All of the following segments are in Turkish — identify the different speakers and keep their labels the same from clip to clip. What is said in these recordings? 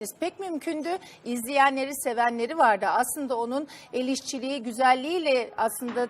Speaker 1: Pek mümkündü. İzleyenleri, sevenleri vardı. Aslında onun el işçiliği, güzelliğiyle aslında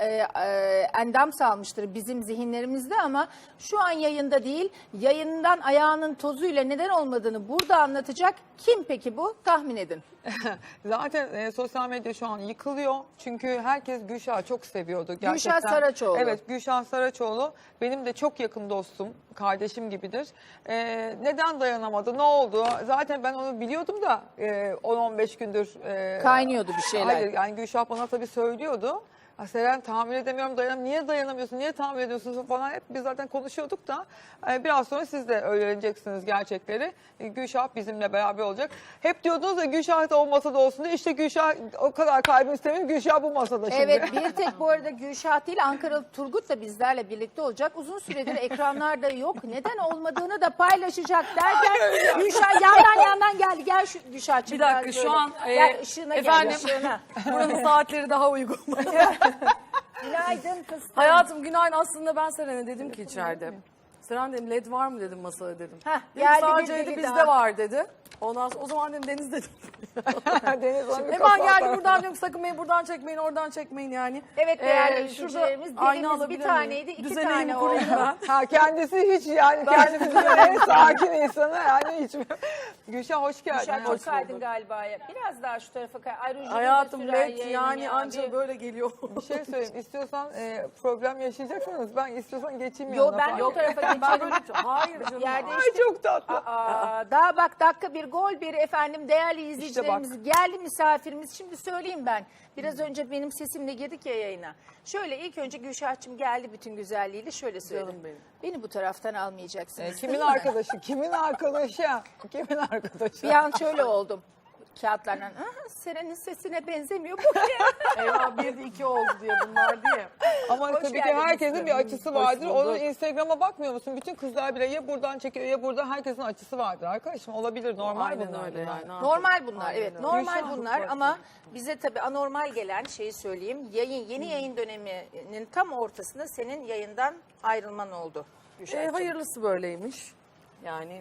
Speaker 1: endam salmıştır bizim zihinlerimizde ama şu an yayında değil, yayından ayağının tozuyla neden olmadığını burada anlatacak. Kim peki bu? Tahmin edin.
Speaker 2: Zaten sosyal medya şu an yıkılıyor. Çünkü herkes Gülşah'ı çok seviyordu. Gerçekten.
Speaker 1: Gülşah Saraçoğlu.
Speaker 2: Evet, Gülşah Saraçoğlu benim de çok yakın dostum, kardeşim gibidir. Neden dayanamadı, ne oldu? Zaten ben onu biliyordum da 10-15 gündür.
Speaker 1: Kaynıyordu bir şeyler.
Speaker 2: Hayır, yani Gülşah bana tabii söylüyordu. Seren tahammül edemiyorum, niye dayanamıyorsun, niye tahammül ediyorsunuz falan hep biz zaten konuşuyorduk da biraz sonra siz de öğreneceksiniz gerçekleri. Gülşah bizimle beraber olacak. Hep diyordunuz ya Gülşah da o masada olsun diye, işte Gülşah o kadar kalbim istemiyorum, Gülşah bu masada şimdi.
Speaker 1: Evet, bir tek bu arada Gülşah değil, Ankaralı Turgut da bizlerle birlikte olacak. Uzun süredir ekranlarda yok. Neden olmadığını da paylaşacak derken Gülşah yandan geldi. Gel şu Gülşah'cığım.
Speaker 3: Bir dakika şu an
Speaker 1: gel, ışığına
Speaker 3: efendim,
Speaker 1: gel, ışığına.
Speaker 3: buranın saatleri daha uygun.
Speaker 1: Günaydın fıstığım.
Speaker 3: Hayatım günaydın, aslında ben Seren'e dedim ki içeride. Seren dedim, led var mı dedim masada dedim.
Speaker 1: Heh,
Speaker 3: Dedi,
Speaker 1: geldi
Speaker 3: sadece
Speaker 1: bir
Speaker 3: dedi,
Speaker 1: dedi
Speaker 3: bizde
Speaker 1: daha.
Speaker 3: var dedi. Ondan sonra o zaman dedim Deniz dedim.
Speaker 2: Deniz Hanım
Speaker 3: Hemen geldi buradan diyorum, sakın beni buradan çekmeyin, oradan çekmeyin yani.
Speaker 1: Evet değerli
Speaker 3: Şurada
Speaker 1: izleyicilerimiz,
Speaker 3: ayna
Speaker 1: dilimiz bir
Speaker 3: alabilir
Speaker 1: taneydi,
Speaker 3: miyim?
Speaker 1: iki
Speaker 3: Düzenimi
Speaker 1: tane
Speaker 3: kurayım
Speaker 1: oldu.
Speaker 3: ben.
Speaker 2: Ha, kendisi hiç yani kendisi en sakin insanı yani hiç. Gülşah hoş geldin.
Speaker 1: Gülşah çok
Speaker 3: Hoş
Speaker 1: kaydın
Speaker 3: bulduk.
Speaker 1: galiba ya. Biraz daha şu tarafa kay. Ay, rujunu da
Speaker 3: Hayatım
Speaker 1: sürer
Speaker 3: led
Speaker 1: yayının
Speaker 3: yani
Speaker 1: ya.
Speaker 3: anca böyle geliyor.
Speaker 2: Bir şey söyleyeyim. İstiyorsan problem yaşayacaksanız ben istiyorsan geçeyim
Speaker 1: Yo,
Speaker 2: yanına
Speaker 1: ben
Speaker 2: falan.
Speaker 1: yok tarafa
Speaker 3: Ben
Speaker 1: geçelim.
Speaker 3: böyle hayır canım.
Speaker 1: Yerde
Speaker 2: Ay çok tatlı.
Speaker 1: Daha bak dakika bir gol bir efendim değerli izleyicilerimiz geldi misafirimiz. Şimdi söyleyeyim ben. Biraz önce benim sesimle girdik ya yayına. Şöyle ilk önce Gülşah'cığım geldi bütün güzelliğiyle şöyle söyleyeyim.
Speaker 3: Canım benim.
Speaker 1: Beni bu taraftan almayacaksınız.
Speaker 2: Kimin
Speaker 1: değil mi?
Speaker 2: arkadaşı? Kimin arkadaşı? Kimin arkadaşı?
Speaker 1: Bir an şöyle oldum. Kağıtlardan Seren'in sesine benzemiyor bu ya.
Speaker 3: Eyvah 1'de 2 oldu diye bunlar diye.
Speaker 2: Ama
Speaker 1: Hoş
Speaker 2: tabii ki
Speaker 1: geldiniz.
Speaker 2: herkesin bir açısı
Speaker 3: Hoş
Speaker 2: vardır.
Speaker 3: bulduk.
Speaker 2: Onun Instagram'a bakmıyor musun? Bütün kızlar bile ya buradan çekiyor ya burada, herkesin açısı vardır arkadaşım. Olabilir, normal
Speaker 3: Aynen
Speaker 2: bunlar.
Speaker 3: öyle yani.
Speaker 1: Normal bunlar,
Speaker 3: Aynen
Speaker 1: evet
Speaker 3: öyle.
Speaker 1: normal
Speaker 2: Gülşah,
Speaker 1: bunlar
Speaker 3: çok
Speaker 1: ama bize tabii anormal gelen şeyi söyleyeyim. Yeni yayın döneminin tam ortasında senin yayından ayrılman oldu. Gülşah'cığım.
Speaker 3: Hayırlısı böyleymiş. Yani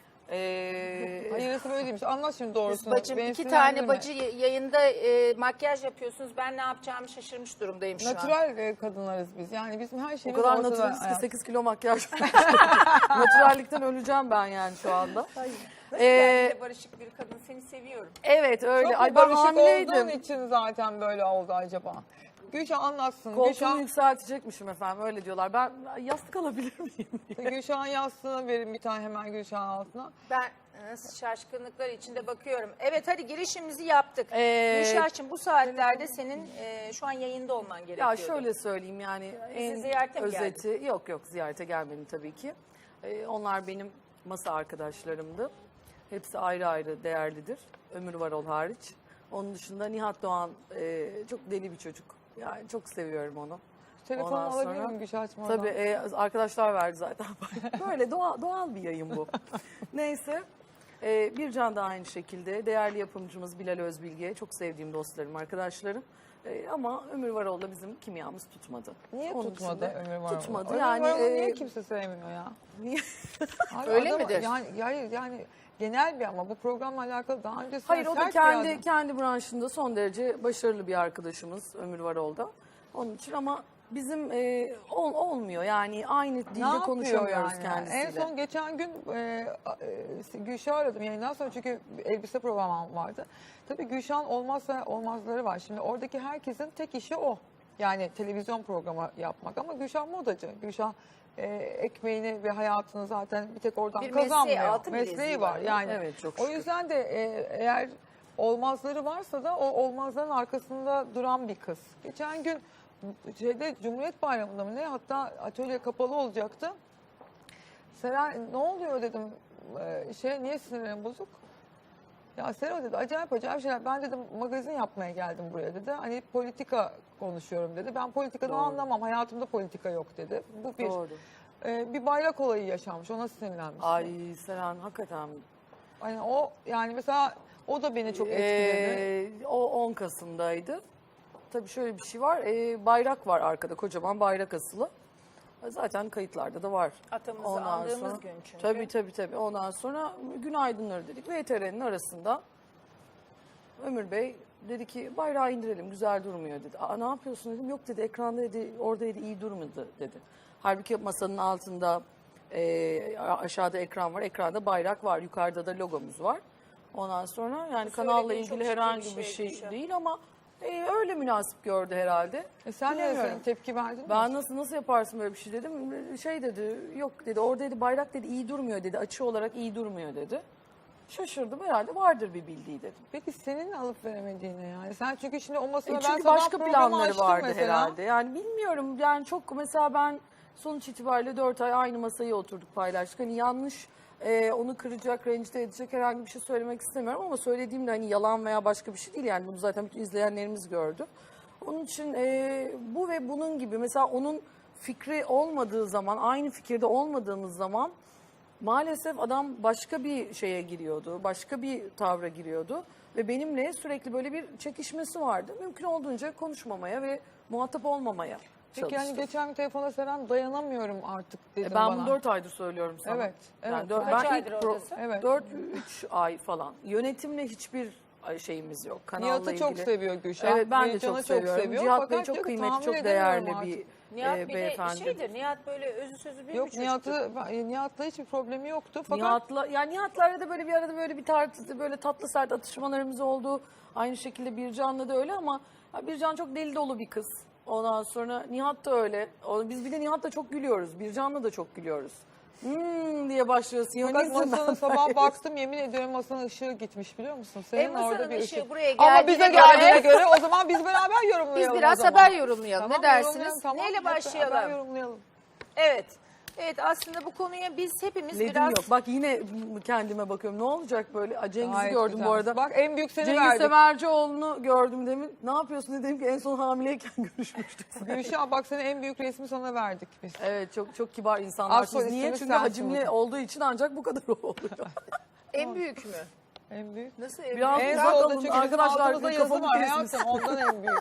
Speaker 2: Hayırlısı böyle değilmiş. Anlat şimdi doğrusunu.
Speaker 1: Bacım
Speaker 2: Beni
Speaker 1: iki tane
Speaker 2: sinirlendirme.
Speaker 1: bacı yayında makyaj yapıyorsunuz. Ben ne yapacağımı şaşırmış durumdayım şu an.
Speaker 2: Natural kadınlarız biz. Yani bizim her
Speaker 3: o
Speaker 2: şeyimiz
Speaker 3: kadar
Speaker 2: ortada.
Speaker 3: naturalist ki
Speaker 2: hayat.
Speaker 3: 8 kilo makyaj. Naturallikten öleceğim ben yani şu anda.
Speaker 1: Ben barışık bir kadın, seni seviyorum.
Speaker 3: Evet öyle.
Speaker 2: Çok
Speaker 3: Ay ben
Speaker 2: barışık olduğun
Speaker 3: hamileydim.
Speaker 2: için zaten böyle oldu acaba. Gülşah anlatsın.
Speaker 3: Koltuğumu yükseltecekmişim efendim öyle diyorlar. Ben yastık alabilir miyim diye.
Speaker 2: Gülşah'ın yastığını verin bir tane hemen Gülşah'ın altına.
Speaker 1: Ben şaşkınlıklar içinde bakıyorum. Evet hadi girişimizi yaptık.
Speaker 3: Ee,
Speaker 1: Gülşah'cığım bu saatlerde senin şu an yayında olman gerekiyor.
Speaker 3: Ya şöyle söyleyeyim yani en
Speaker 1: ziyarete mi
Speaker 3: özeti yok ziyarete gelmedim tabii ki. Onlar benim masa arkadaşlarımdı. Hepsi ayrı ayrı değerlidir. Ömür Varol hariç. Onun dışında Nihat Doğan çok deli bir çocuk. Yani çok seviyorum onu.
Speaker 2: Telefonumu
Speaker 3: Ondan
Speaker 2: alabilir
Speaker 3: sonra-
Speaker 2: miyim Gülşah'cığım?
Speaker 3: Tabii arkadaşlar verdi zaten. Böyle doğal bir yayın bu. Neyse. Bircan da aynı şekilde. Değerli yapımcımız Bilal Özbilge. Çok sevdiğim dostlarım, arkadaşlarım. Ama Ömür Varol'la bizim kimyamız tutmadı.
Speaker 2: Niye
Speaker 3: Onun
Speaker 2: tutmadı
Speaker 3: dışında
Speaker 2: Ömür Varol'u?
Speaker 3: Tutmadı
Speaker 2: Ömür
Speaker 3: yani.
Speaker 2: Varol'u niye kimse sevmiyor ya?
Speaker 3: Niye?
Speaker 2: Abi
Speaker 1: Öyle midir?
Speaker 2: Yani, hayır yani genel bir, ama bu programla alakalı daha öncesinde
Speaker 3: Hayır o da
Speaker 2: sert bir adam.
Speaker 3: kendi branşında son derece başarılı bir arkadaşımız Ömür Varol'da. Onun için ama bizim olmuyor yani aynı dilde
Speaker 2: Ne yapıyor
Speaker 3: konuşamıyoruz
Speaker 2: yani?
Speaker 3: kendisiyle.
Speaker 2: En son geçen gün Gülşah'ı aradım yayından sonra, çünkü elbise programım vardı. Tabii Gülşah'ın olmazsa olmazları var. Şimdi oradaki herkesin tek işi o. Yani televizyon programı yapmak, ama Gülşah modacı. Gülşah ekmeğini ve hayatını zaten bir tek oradan
Speaker 1: Bir mesleği,
Speaker 2: kazanmıyor.
Speaker 1: altın
Speaker 2: Mesleği
Speaker 1: bileziği
Speaker 2: var
Speaker 1: var.
Speaker 2: yani.
Speaker 3: Evet, çok
Speaker 2: O
Speaker 3: şükür.
Speaker 2: yüzden de eğer olmazları varsa da o olmazların arkasında duran bir kız. Geçen gün Cumhuriyet Bayramı'nda mı ne, hatta atölye kapalı olacaktı. Seren ne oluyor dedim, niye sinirlerim bozuk? Ya Seren dedi acayip şeyler. Ben dedim magazin yapmaya geldim buraya dedi. Hani politika konuşuyorum dedi. Ben politikadan
Speaker 3: Doğru.
Speaker 2: anlamam. Hayatımda politika yok dedi. Bu bir.
Speaker 3: Doğru.
Speaker 2: Bir bayrak olayı yaşanmış. Ona sinirlenmiş.
Speaker 3: Ay Seren hakikaten.
Speaker 2: Hani o yani mesela o da beni çok etkiledi.
Speaker 3: O 10 Kasım'daydı. Tabii şöyle bir şey var. Bayrak var arkada, kocaman bayrak asılı. Zaten kayıtlarda da var.
Speaker 1: Atamızı andığımız gün çünkü.
Speaker 3: Tabii. Ondan sonra günaydınları dedik ve TR'nin arasında Ömür Bey dedi ki bayrağı indirelim, güzel durmuyor dedi. Ne yapıyorsun dedim. Yok dedi, ekranda dedi, orada dedi, iyi durmadı dedi. Halbuki masanın altında aşağıda ekran var, ekranda bayrak var, yukarıda da logomuz var. Ondan sonra yani kanalla
Speaker 1: söylediğin çok
Speaker 3: ilgili
Speaker 1: ciddi
Speaker 3: herhangi
Speaker 1: bir
Speaker 3: bir
Speaker 1: şey
Speaker 3: şey
Speaker 1: Gülşah.
Speaker 3: değil ama öyle münasip gördü herhalde.
Speaker 2: Sen de
Speaker 3: Bilemiyorum.
Speaker 2: tepki verdin mi?
Speaker 3: Ben nasıl yaparsın böyle bir şey dedim. Şey dedi, yok dedi, orada dedi bayrak dedi iyi durmuyor dedi, açı olarak iyi durmuyor dedi. Şaşırdım, herhalde vardır bir bildiği dedim.
Speaker 2: Peki senin alıp veremediğine yani. Sen çünkü şimdi o masada ben
Speaker 3: Çünkü
Speaker 2: sabah
Speaker 3: başka
Speaker 2: programı
Speaker 3: planları
Speaker 2: açtım
Speaker 3: vardı
Speaker 2: mesela.
Speaker 3: herhalde. Yani bilmiyorum, yani çok mesela ben sonuç itibariyle 4 ay aynı masayı oturduk, paylaştık. Hani yanlış onu kıracak, rencide edecek herhangi bir şey söylemek istemiyorum ama söylediğim de hani yalan veya başka bir şey değil, yani bunu zaten bütün izleyenlerimiz gördü. Onun için bu ve bunun gibi mesela onun fikri olmadığı zaman, aynı fikirde olmadığımız zaman maalesef adam başka bir şeye giriyordu, başka bir tavra giriyordu ve benimle sürekli böyle bir çekişmesi vardı. Mümkün olduğunca konuşmamaya ve muhatap olmamaya
Speaker 2: Peki
Speaker 3: çalıştım.
Speaker 2: yani geçen gün telefonda Seren dayanamıyorum artık dedim
Speaker 3: Ben
Speaker 2: bana.
Speaker 3: bunu 4 aydır söylüyorum sana.
Speaker 2: Evet,
Speaker 3: Yani
Speaker 2: evet.
Speaker 1: Kaç
Speaker 3: ben
Speaker 1: aydır
Speaker 3: ilk
Speaker 1: oradasın?
Speaker 2: Evet.
Speaker 3: 4-3 ay falan. Yönetimle hiçbir şeyimiz yok. Kanalla
Speaker 2: Nihat'ı
Speaker 3: ilgili.
Speaker 2: çok seviyor Gülşah.
Speaker 3: Evet, ben de
Speaker 2: Yiğitcan'ı
Speaker 3: çok seviyorum.
Speaker 2: seviyor.
Speaker 3: Cihat Bey
Speaker 2: Fakat
Speaker 3: çok
Speaker 2: diyor ki,
Speaker 3: kıymetli,
Speaker 2: tahammül
Speaker 3: çok
Speaker 2: edemiyorum
Speaker 3: değerli
Speaker 2: artık.
Speaker 3: bir
Speaker 1: Nihat bir de
Speaker 3: beyefendi.
Speaker 1: şeydir, Nihat böyle özü sözü bir
Speaker 2: Yok
Speaker 1: çocuktur.
Speaker 2: Nihat'la hiçbir problemi yoktu. Fakat
Speaker 3: Nihat'larla da böyle bir arada böyle bir böyle tatlı sert atışmalarımız oldu. Aynı şekilde Bircan'la da öyle ama Bircan çok deli dolu bir kız. Ondan sonra Nihat da öyle. Biz bir de Nihat'la çok gülüyoruz. Bircan'la da çok gülüyoruz. Diye başlıyorsun.
Speaker 2: fakat masanın sabah baktım, yemin ediyorum masanın ışığı gitmiş, biliyor musun? Senin
Speaker 1: Masanın
Speaker 2: orada bir
Speaker 1: ışığı
Speaker 2: ışık.
Speaker 1: buraya
Speaker 2: Ama bize
Speaker 1: geldiğine
Speaker 2: geldiğine göre o zaman biz beraber yorumlayalım.
Speaker 1: Biz biraz
Speaker 2: o zaman.
Speaker 1: haber yorumlayalım.
Speaker 2: Tamam,
Speaker 1: Ne dersiniz?
Speaker 2: yorumlayalım, tamam.
Speaker 1: Neyle
Speaker 2: Hep beraber
Speaker 1: başlayalım?
Speaker 2: yorumlayalım.
Speaker 1: Evet. Evet, aslında bu konuya biz hepimiz
Speaker 3: Ledim
Speaker 1: biraz...
Speaker 3: yok. Bak yine kendime bakıyorum. Ne olacak böyle? Cengiz'i
Speaker 2: Gayet
Speaker 3: gördüm
Speaker 2: güzel.
Speaker 3: bu arada.
Speaker 2: Bak en büyük seni
Speaker 3: Cengiz
Speaker 2: verdik.
Speaker 3: Semercioğlu'nu gördüm demin. Ne yapıyorsun dedim ki en son hamileyken görüşmüştük.
Speaker 2: Gülşah bak senin en büyük resmi sana verdik biz.
Speaker 3: Evet, çok kibar insanlar.
Speaker 2: Aksoy
Speaker 3: Niye?
Speaker 2: isminiz
Speaker 3: Çünkü
Speaker 2: sensin
Speaker 3: hacimli
Speaker 2: hocam.
Speaker 3: olduğu için ancak bu kadar oluyor.
Speaker 1: En büyük mü?
Speaker 2: En büyük.
Speaker 1: Nasıl en
Speaker 3: Biraz
Speaker 1: büyük?
Speaker 2: En
Speaker 3: uzak
Speaker 2: zor da
Speaker 3: olun
Speaker 2: çünkü
Speaker 3: arkadaşlar,
Speaker 2: altımızda yazı
Speaker 3: kafamı
Speaker 2: var
Speaker 3: kesmiş.
Speaker 2: hayatım, ondan en büyük.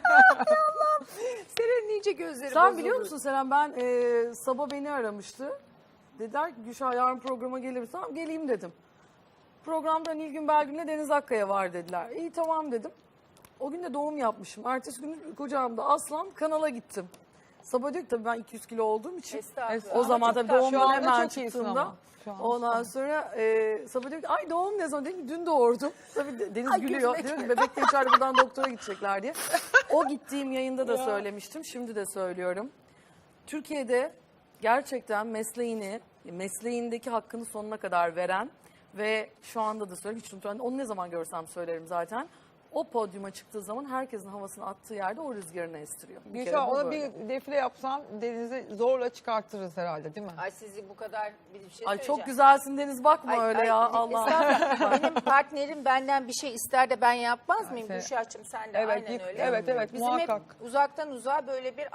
Speaker 1: Senin iyice gözleri
Speaker 3: Sen
Speaker 1: bozuldu.
Speaker 3: biliyor musun Seren, ben Sabah beni aramıştı. Dediler ki Gülşah yarın programa gelir misin? Tamam geleyim dedim. Programda Nilgün Belgün'le Deniz Akkaya var dediler. İyi tamam dedim. O gün de doğum yapmışım. Ertesi gün kucağımda Aslan, kanala gittim. Sabah diyor ki tabii ben 200 kilo olduğum için.
Speaker 1: Estağfurullah.
Speaker 3: O zaman
Speaker 1: Ama
Speaker 3: tabii
Speaker 1: çok tatlı.
Speaker 2: Şu
Speaker 3: doğumdan
Speaker 2: anda
Speaker 3: hemen
Speaker 2: çok iyisin
Speaker 3: çıktığımda.
Speaker 2: ama. Şu an
Speaker 3: Ondan sonra Sabah diyor ki ay doğum ne zaman? Dedim ki dün doğurdum. Tabii Deniz gülüyor.
Speaker 1: gülmek.
Speaker 3: Diyor ki bebek de içeride buradan doktora gidecekler diye. O gittiğim yayında da söylemiştim. Şimdi de söylüyorum. Türkiye'de gerçekten mesleğindeki hakkını sonuna kadar veren ve şu anda da söylüyorum, hiç unutmam. Onu ne zaman görsem söylerim zaten. O podyuma çıktığı zaman herkesin havasını attığı yerde o rüzgarını estiriyor. Bir kere
Speaker 2: Gülşah
Speaker 3: bu
Speaker 2: ona
Speaker 3: böyle.
Speaker 2: bir defile yapsan Deniz'i zorla çıkartırız herhalde, değil mi?
Speaker 1: Ay sizi bu kadar bir şey
Speaker 3: Ay
Speaker 1: söyleyeceğim.
Speaker 3: çok güzelsin Deniz, bakma
Speaker 1: Ay,
Speaker 3: öyle
Speaker 1: ay,
Speaker 3: ya Allah.
Speaker 1: estağfurullah. Benim partnerim benden bir şey ister de ben yapmaz mıyım?
Speaker 2: sen-
Speaker 1: Gülşah'cığım sen de
Speaker 2: Evet,
Speaker 1: aynen öyle.
Speaker 2: evet,
Speaker 1: Bizim
Speaker 2: muhakkak.
Speaker 1: hep uzaktan uzağa böyle bir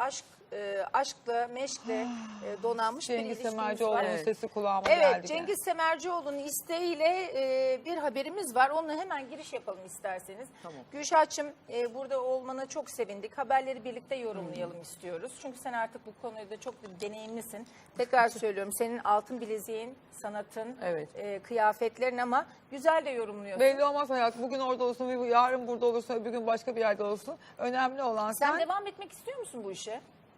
Speaker 1: aşkla, meşkle donanmış bir
Speaker 2: Cengiz
Speaker 1: ilişkimiz
Speaker 2: Semercioğlu'nun
Speaker 1: var.
Speaker 3: Evet.
Speaker 2: sesi kulağıma
Speaker 1: Evet,
Speaker 2: geldi.
Speaker 1: Cengiz Semercioğlu'nun isteğiyle bir haberimiz var. Onunla hemen giriş yapalım isterseniz.
Speaker 3: Tamam.
Speaker 1: Gülşah'cığım burada olmana çok sevindik. Haberleri birlikte yorumlayalım istiyoruz. Çünkü sen artık bu konuda çok deneyimlisin. Tekrar söylüyorum, senin altın bileziğin, sanatın,
Speaker 3: Evet.
Speaker 1: kıyafetlerin ama güzel de yorumluyorsun.
Speaker 2: Belli olmaz hayat. Bugün orada olsun, yarın burada olursun, öbür gün başka bir yerde olsun. Önemli olan
Speaker 1: Sen devam etmek istiyor musun bu işe?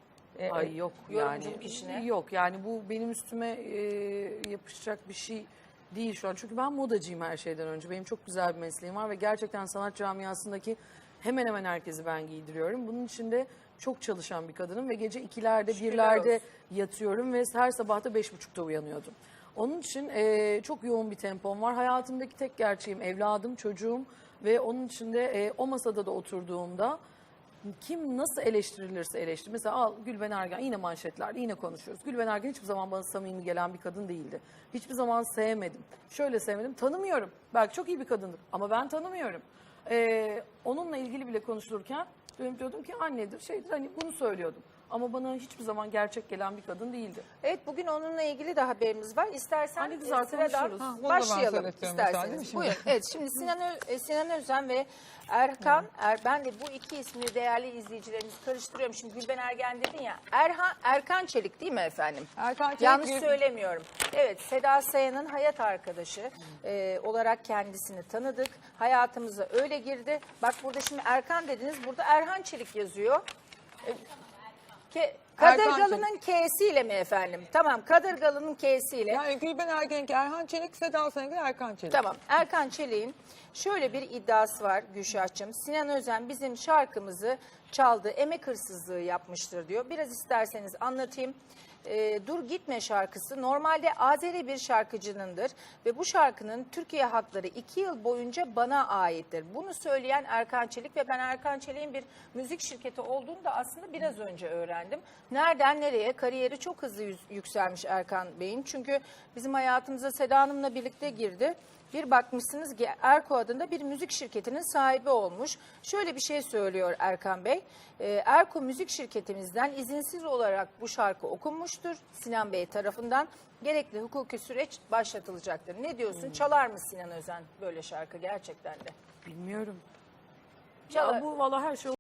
Speaker 3: Ay yok
Speaker 1: Yorumculuk
Speaker 3: yani.
Speaker 1: işine.
Speaker 3: Yok yani bu benim üstüme yapışacak bir şey değil şu an. Çünkü ben modacıyım her şeyden önce. Benim çok güzel bir mesleğim var ve gerçekten sanat camiasındaki hemen hemen herkesi ben giydiriyorum. Bunun için de çok çalışan bir kadınım ve gece 2'lerde
Speaker 1: Şükürler
Speaker 3: 1'lerde
Speaker 1: olsun.
Speaker 3: yatıyorum ve her sabah da 5.30'da uyanıyordum. Onun için çok yoğun bir tempom var. Hayatımdaki tek gerçeğim evladım, çocuğum ve onun için de o masada da oturduğumda kim nasıl eleştirilirse eleştir. Mesela al Gülben Ergen, yine manşetlerde yine konuşuyoruz. Gülben Ergen hiçbir zaman bana samimi gelen bir kadın değildi. Hiçbir zaman sevmedim. Şöyle sevmedim, tanımıyorum. Belki çok iyi bir kadındır ama ben tanımıyorum. Onunla ilgili bile konuşulurken diyordum ki annedir, şeydir, hani bunu söylüyordum. Ama bana hiçbir zaman gerçek gelen bir kadın değildi.
Speaker 1: Evet, bugün onunla ilgili de haberimiz var. İstersen
Speaker 3: Hani güzel
Speaker 1: sıradan
Speaker 3: konuşuruz.
Speaker 2: Ha, bunu da ben
Speaker 1: başlayalım
Speaker 2: söyletiyorum mesela, değil mi
Speaker 1: isterseniz.
Speaker 2: şimdi?
Speaker 1: Buyurun. Evet, şimdi Sinan Özen ve Erkan, ben de bu iki ismini değerli izleyicilerimiz karıştırıyorum. Şimdi Gülben Ergen dedin ya, Erkan Çelik değil mi efendim?
Speaker 2: Erkan Çelik
Speaker 1: Yanlış
Speaker 2: bir-
Speaker 1: söylemiyorum. Evet, Seda Sayan'ın hayat arkadaşı olarak kendisini tanıdık. Hayatımıza öyle girdi. Bak burada şimdi Erkan dediniz, burada Erhan Çelik yazıyor. Kadırgalı'nın K'siyle mi efendim? Tamam, Kadırgalı'nın K'siyle.
Speaker 2: Yani Gülben Ergen'inki Erhan Çelik, Seda Sayan'ınki Erkan Çelik.
Speaker 1: Tamam, Erkan Çelik'in şöyle bir iddiası var Gülşah'cığım. Sinan Özen bizim şarkımızı çaldı, emek hırsızlığı yapmıştır diyor. Biraz isterseniz anlatayım. Dur Gitme şarkısı normalde Azeri bir şarkıcınındır ve bu şarkının Türkiye hakları 2 yıl boyunca bana aittir. Bunu söyleyen Erkan Çelik ve ben Erkan Çelik'in bir müzik şirketi olduğunu da aslında biraz önce öğrendim. Nereden nereye? Kariyeri çok hızlı yükselmiş Erkan Bey'in. Çünkü bizim hayatımıza Seda Hanım'la birlikte girdi. Bir bakmışsınız ki Erko adında bir müzik şirketinin sahibi olmuş. Şöyle bir şey söylüyor Erkan Bey. Erko müzik şirketimizden izinsiz olarak bu şarkı okunmuştur Sinan Bey tarafından. Gerekli hukuki süreç başlatılacaktır. Ne diyorsun? Çalar mı Sinan Özen böyle şarkı gerçekten de?
Speaker 3: Bilmiyorum.
Speaker 1: Çalar.
Speaker 3: Ya bu valla her şey